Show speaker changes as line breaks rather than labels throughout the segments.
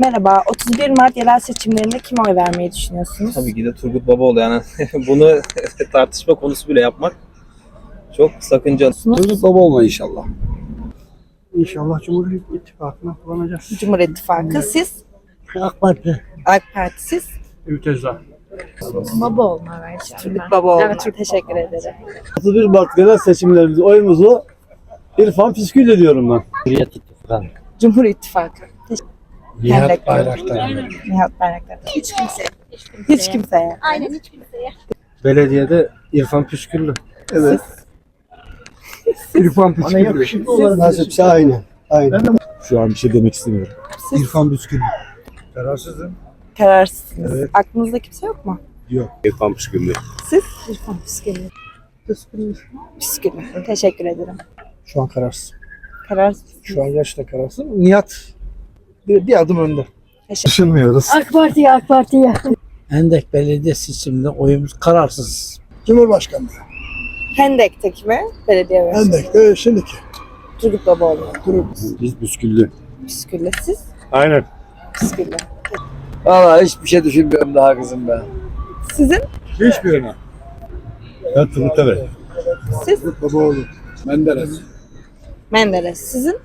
Merhaba, 31 Mart yerel seçimlerinde kime oy vermeyi düşünüyorsunuz?
Tabii ki de Turgut Babaoğlu, yani bunu tartışma konusu bile yapmak çok sakıncalı.
Turgut Babaoğlu inşallah.
İnşallah Cumhur İttifakı'na kullanacağız.
Cumhur İttifakı, siz?
AK Parti.
AK Parti, siz?
Ülteza.
Babaoğlu'na vereceğim
Turgut
ben.
Babaoğlu.
Evet,
Teşekkür ederim.
31 Mart genel seçimlerimizde oyumuzu İrfan Püskül ediyorum ben.
Cumhur İttifakı.
Nihat Bayraktar.
Nihat Bayraktar. Hiç kimseye. Hiç kimseye.
Aynen hiç kimseye.
Belediyede İrfan Püsküllü.
Evet.
İrfan Püsküllü.
Nasipse aynı. Aynı.
Şu an bir şey demek istemiyorum.
İrfan Püsküllü. Kararsızım.
Kararsızsınız. Aklınızda kimse yok mu?
İrfan Püsküllü.
Siz? İrfan Püskülü. Püskülü. Teşekkür ederim.
Şu an kararsız.
Kararsız.
Şu an gerçekten kararsız. Nihat bir adım önde.
Düşünmüyoruz.
AK Parti'ye.
Hendek Belediye seçiminde oyumuz kararsız.
Cumhurbaşkanlığı.
Hendek'teki mi? Belediye başkanı.
Hendek'te şimdiki.
Turgut Babaoğlu.
Biz Püsküllü.
Püskülü. Siz?
Aynen.
Püskülü.
Valla hiçbir şey düşünmüyorum daha kızım ben.
Sizin?
Hiçbirine. Ben Turgut'a ver.
Siz?
Babaoğlu. Menderes.
Menderes. Sizin?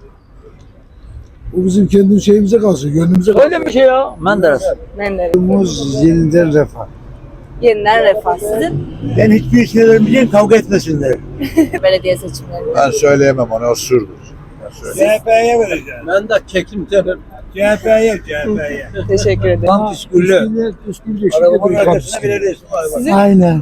Bu bizim kendi şeyimize kalsın, gönlümüze kalsın.
Öyle bir şey ya. Menderes.
Menderes.
Umuz yeniden refah.
Yeniden Refah. Sizin?
Ben hiçbir şey vermeyeceğim, kavga etmesinler.
Belediye seçimlerinde.
Ben söyleyemem, ona osurdur.
CHP'ye vereceğim.
Ben de kekim derim.
CHP'ye.
Teşekkür ederim.
Tam Püsküllü. Arabamın arkasına veririz.
Sizin?
Aynen.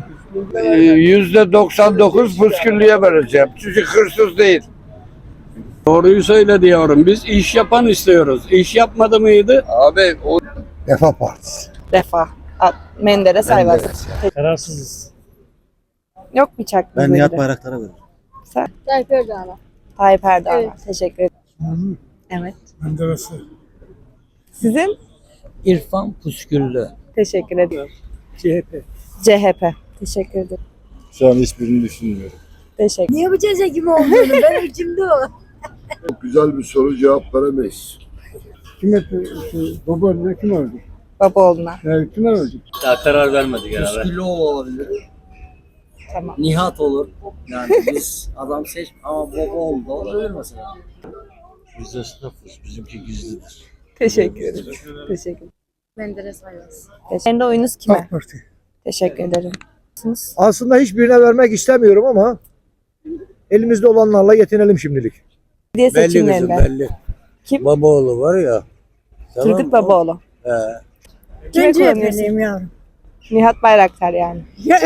%99 Püsküllü'ye vereceğim. Çünkü hırsız değil. Doğruyu söyle diyorum. Biz iş yapan istiyoruz. İş yapmadı mıydı?
Abi o
Refah Partisi.
Refah. Menderes Ayvaz.
Kararsızız.
Yok mu hiç aklınızda biri?
Bayraktar'a veririm.
Sen?
Tayyip Erdoğan'a.
Tayyip Erdoğan.
Evet.
Teşekkür ederim. Evet.
Menderes'i.
Sizin?
İrfan Püsküllü.
Teşekkür ederim.
CHP.
CHP. Teşekkür ederim.
Şu an hiçbirini düşünmüyorum.
Teşekkür.
Niye bu ceza kim olduğunu ben içimde o.
Güzel bir soru, cevap veremeyiz.
Babaoğlu'na kim öldü?
Babaoğlu'na.
Kim öldü?
Daha karar vermedik herhalde.
Püsküllü olabilir.
Tamam.
Nihat olur. Yani biz adam seç ama Babaoğlu da olabilir mesela.
Biz esnafız, bizimki gizlidir.
Teşekkür ederim. Teşekkür ederim.
Menderes Ayvaz.
Kendi oyunuz kime?
AK Parti.
Teşekkür ederim. Siz?
Aslında hiçbirine vermek istemiyorum ama elimizde olanlarla yetinelim şimdilik.
Belediye seçimlerinde.
belli.
Kim?
Babaoğlu var ya.
Turgut Babaoğlu. Kime kullanıyorsun?
yavrum.
Nihat Bayraktar yani.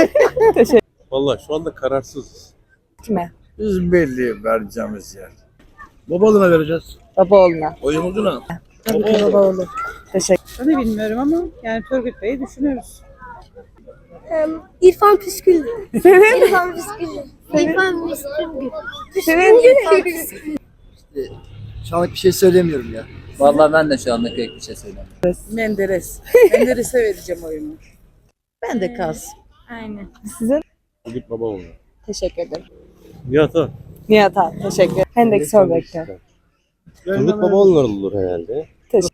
Vallahi şu anda kararsızız.
Kime?
Biz belli vereceğimiz yer.
Babaoğlu'na vereceğiz.
Babaoğlu'na.
Oyumuzu ne?
Tabii ki Babaoğlu. Teşekkür
Ben de bilmiyorum ama yani Turgut Bey'i düşünüyoruz.
İrfan Püsküllü. İrfan Püsküllü. İrfan Püsküllü.
Şu anlık bir şey söylemiyorum ya.
Vallahi ben de şu anda pek bir şey söylemiyorum.
Menderes. Menderes'e vereceğim oyumu. Ben de kalsın.
Aynen.
Sizin?
Turgut Babaoğlu.
Teşekkür ederim.
Nihat'a.
Nihat abi. Teşekkür ederim. Hendek Sorbek'te.
Turgut Babaoğlu olur herhalde.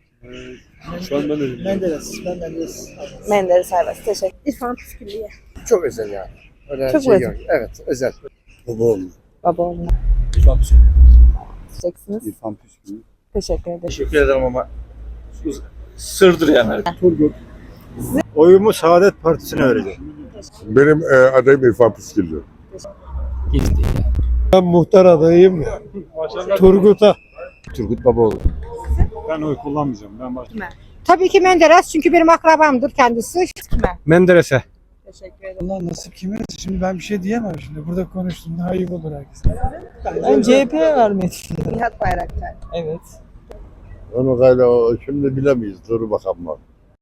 Şu an ben de
Menderes.
Menderes Ayvaz. Teşekkür.
İrfan Püsküllü'ye.
Çok özel yani. Öyle
Çok
şey
özel.
yok. Evet, özel. Babaoğlu.
Babaoğlu'na.
İrfan Püsküllü.
Diyeceksiniz.
İrfan Püsküllü.
Teşekkür ederim.
Teşekkür ederim ama sırdır yani.
Oyumu Saadet Partisi'ne vereceğim.
Benim adayım İrfan Püsküllü.
Ben muhtar adayım. Turgut'a.
Turgut Babaoğlu.
Ben oy kullanmayacağım. Ben
Tabii ki Menderes çünkü benim akrabamdır kendisi.
Kime?
Menderes'e.
Teşekkür ederim.
Allah nasip kime? Şimdi ben bir şey diyemem şimdi. Burada konuştum. Daha iyi olur herkese.
Ben CHP'ye vermeyi düşünüyorum.
Nihat Bayraktar.
Evet.
Onu gayla şimdi bilemeyiz. Dur bakalım.